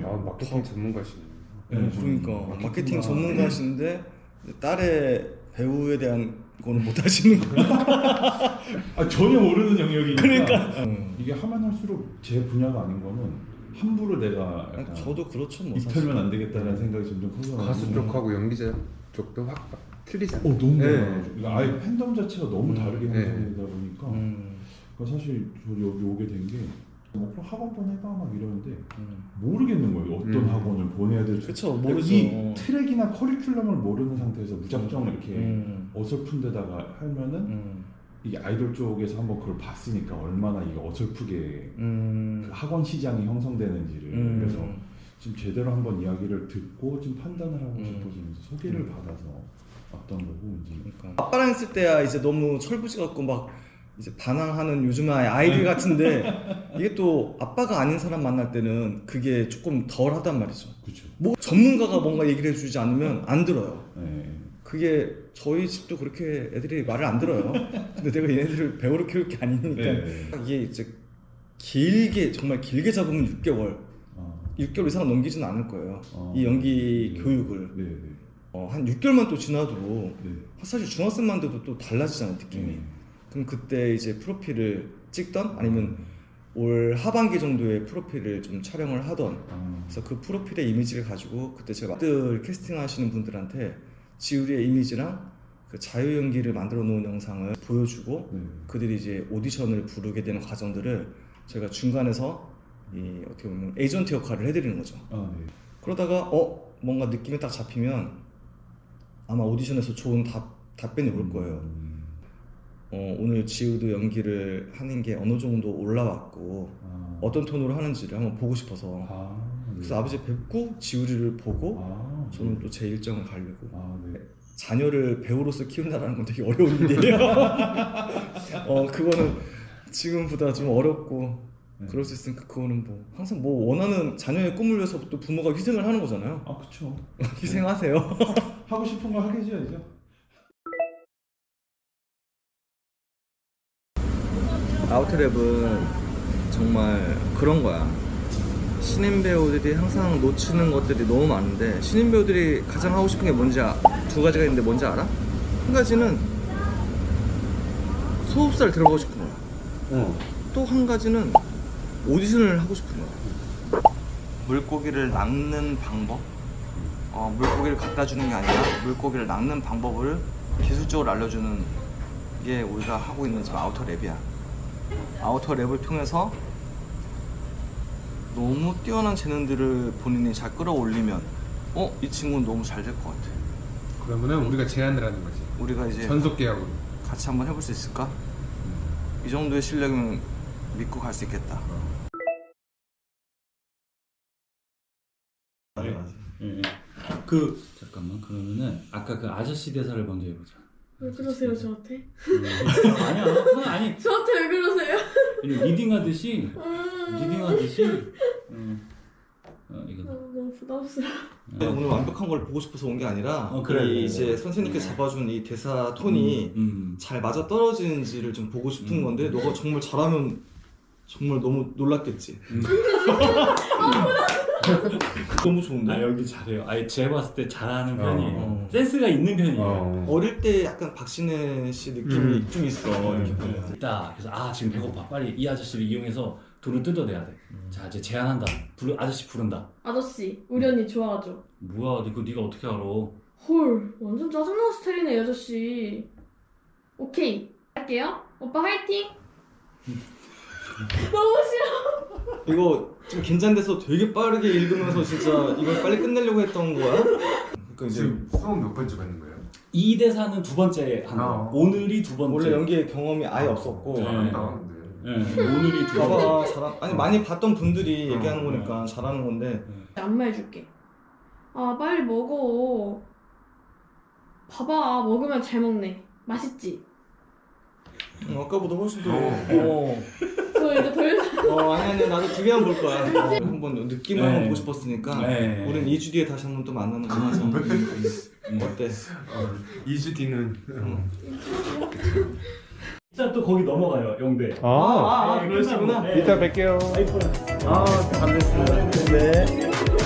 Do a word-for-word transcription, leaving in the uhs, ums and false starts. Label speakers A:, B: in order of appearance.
A: 아, 마케팅 전문가시네.
B: 네, 그러니까
A: 음,
B: 마케팅 전문가신데 딸의 배우에 대한 거는 못 하시는 거예요.
C: 아, 전혀 모르는 영역이니까.
B: 그러니까
C: 이게 하면 할수록 제 분야가 아닌 거는 함부로 내가 약간
B: 저도 그렇죠 뭐
C: 입혀면 안 되겠다는 생각이 점점 커서
A: 가수 쪽하고 연기자 쪽도 확 틀리잖아요.
C: 어, 너무
A: 네.
C: 달라요. 그러니까 아예 팬덤 자체가 너무 다르게
A: 네.
C: 형성되다 보니까
B: 음.
C: 그러니까 사실 저 여기 오게 된 게 뭐 그럼 학원 보내봐 막 이러는데
B: 음.
C: 모르겠는 거예요. 어떤
A: 음.
C: 학원을 보내야 될지.
B: 그쵸, 모르죠.
C: 이 트랙이나 커리큘럼을 모르는 상태에서 무작정 이렇게
B: 음.
C: 어설픈 데다가 하면은
B: 음.
C: 이게 아이돌 쪽에서 한번 그걸 봤으니까 얼마나 이게 어설프게
B: 음.
C: 그 학원 시장이 형성되는지를
B: 음.
C: 그래서 지금 제대로 한번 이야기를 듣고 좀 판단을 하고
B: 음.
C: 싶어지면서 소개를 받아서 왔던 거고 이제
B: 그러니까 아빠랑 있을 때야 이제 너무 철부지 같고 막 이제 반항하는 요즘의 아이들 같은데 이게 또 아빠가 아닌 사람 만날 때는 그게 조금 덜 하단 말이죠.
C: 그렇죠.
B: 뭐 전문가가 뭔가 얘기를 해주지 않으면 안 들어요.
C: 네.
B: 그게 저희 집도 그렇게 애들이 말을 안 들어요. 근데 내가 얘네들을 배우러 키울 게 아니니까
C: 네.
B: 이게 이제 길게 정말 길게 잡으면 육 개월
C: 어.
B: 육 개월 이상 넘기지는 않을 거예요.
C: 어.
B: 이 연기
C: 네.
B: 교육을
C: 네, 네.
B: 어, 한 육 개월만 또 지나도
C: 네.
B: 사실 중학생만 돼도 또 달라지잖아요 느낌이.
C: 네.
B: 그럼 그때 이제 프로필을 찍던 아니면 올 하반기 정도에 프로필을 좀 촬영을 하던
C: 아.
B: 그래서 그 프로필의 이미지를 가지고 그때 제가 들 캐스팅 하시는 분들한테 지우리의 이미지랑 그 자유 연기를 만들어 놓은 영상을 보여주고
C: 네.
B: 그들이 이제 오디션을 부르게 되는 과정들을 저희가 중간에서 이 어떻게 보면 에이전트 역할을 해드리는 거죠.
C: 아, 네.
B: 그러다가 어 뭔가 느낌이 딱 잡히면 아마 오디션에서 좋은 답, 답변이 올 거예요.
C: 음.
B: 어, 오늘 지우도 연기를 하는 게 어느 정도 올라왔고
C: 아.
B: 어떤 톤으로 하는지를 한번 보고 싶어서
C: 아, 네.
B: 그래서 아버지 뵙고 지우리를 보고
C: 아,
B: 저는
C: 네.
B: 또 제 일정을 가려고
C: 아, 네.
B: 자녀를 배우로서 키운다는 건 되게 어려운 일이에요. 어 그거는 지금보다 좀 어렵고
C: 네.
B: 그럴 수 있으니까 그거는 뭐 항상 뭐 원하는 자녀의 꿈을 위해서 또 부모가 희생을 하는 거잖아요.
C: 아, 그쵸.
B: 희생하세요.
C: 하고 싶은 걸 하게 해줘야죠.
B: 아우트랩은 정말 그런 거야. 신인 배우들이 항상 놓치는 것들이 너무 많은데 신인 배우들이 가장 하고 싶은 게 뭔지 아, 두 가지가 있는데 뭔지 알아? 한 가지는 소속사를 들어가고 싶은 거야.
A: 어.
B: 또 한 가지는 오디션을 하고 싶은 거야. 물고기를 낚는 방법, 어, 물고기를 갖다 주는 게 아니라 물고기를 낚는 방법을 기술적으로 알려주는 게 우리가 하고 있는 지금 아우터 랩이야. 아우터 랩을 통해서 너무 뛰어난 재능들을 본인이 잘 끌어올리면 어? 이 친구는 너무 잘 될 것 같아.
A: 그러면은 우리가 제안을 하는 거지.
B: 우리가 이제
A: 전속 계약으로.
B: 같이 한번 해볼 수 있을까? 이 정도의 실력이면 믿고 갈 수 있겠다.
D: 네. 네. 그 잠깐만 그러면은 아까 그 아저씨 대사를 먼저 해보자.
E: 왜 그러세요 저한테?
D: 음, 아니야, 그건 아니.
E: 저한테 왜 그러세요?
D: 리딩하듯이
E: 음...
D: 리딩하듯이. 음. 어, 이거.
E: 어, 너무 부담스러워.
B: 오늘 완벽한 걸 보고 싶어서 온 게 아니라
D: 어, 그래,
B: 이
D: 그래,
B: 이제
D: 그래.
B: 선생님께서 잡아준 이 대사 톤이
D: 음, 음.
B: 잘 맞아 떨어지는지를 좀 보고 싶은
D: 음.
B: 건데 너가 정말 잘하면 정말 너무 놀랐겠지.
D: 음.
B: 너무 좋은데?
D: 아 여기 잘해요. 아예 제가 봤을 때 잘하는 편이에요.
B: 어.
D: 센스가 있는 편이에요.
A: 어.
B: 어릴 때 약간 박신혜 씨 느낌이
A: 음.
B: 좀 있어.
D: 음.
B: 이렇게 보면.
D: 있다. 그래서 아 지금 배고파. 빨리 이 아저씨를 이용해서 돈을 뜯어내야 돼. 자 이제 제안한다. 부르, 아저씨 부른다.
E: 아저씨 우리 언니 좋아하죠?
D: 뭐야 이거 네가 어떻게 알아?
E: 헐 완전 짜증나는 스타일이네 이 아저씨. 오케이 할게요. 오빠 화이팅! 너무 싫어.
B: 이거 좀 긴장돼서 되게 빠르게 읽으면서 진짜 이걸 빨리 끝내려고 했던 거야? 그러니까 이제
A: 지금 수업 몇 번째 받는 거예요?
D: 이 대사는 두 번째 한 거야.
A: 어.
D: 오늘이 두 번째.
B: 원래 연기의 경험이 아예 없었고
D: 네.
A: 안 나왔는데.
D: 네, 오늘이 두 번째.
B: 봐봐 잘하 아니 많이 봤던 분들이
A: 어,
B: 얘기하는 거니까 잘하는 건데
E: 안마해줄게. 아 빨리 먹어. 봐봐 먹으면 잘 먹네. 맛있지?
B: 어, 아까보다 훨씬 더
A: 어.
B: 어.
E: 저 이제 더 이상
B: 어 아니 아니 나도 두 개 한번 볼 거야. 어, 한번 느낌을
D: 네.
B: 한번 보고 싶었으니까
D: 네.
B: 우린 이 주 뒤에 다시 한번 또 만나는 거 하자.
D: 음.
B: 어때?
A: 어, 이 주 뒤는.
B: 응.
D: 일단 또 거기 넘어가요 영대.
B: 아, 아, 아 그러시구나.
D: 네.
A: 이따 뵐게요.
D: 아이폰.
B: 아 반갑습니다. 네.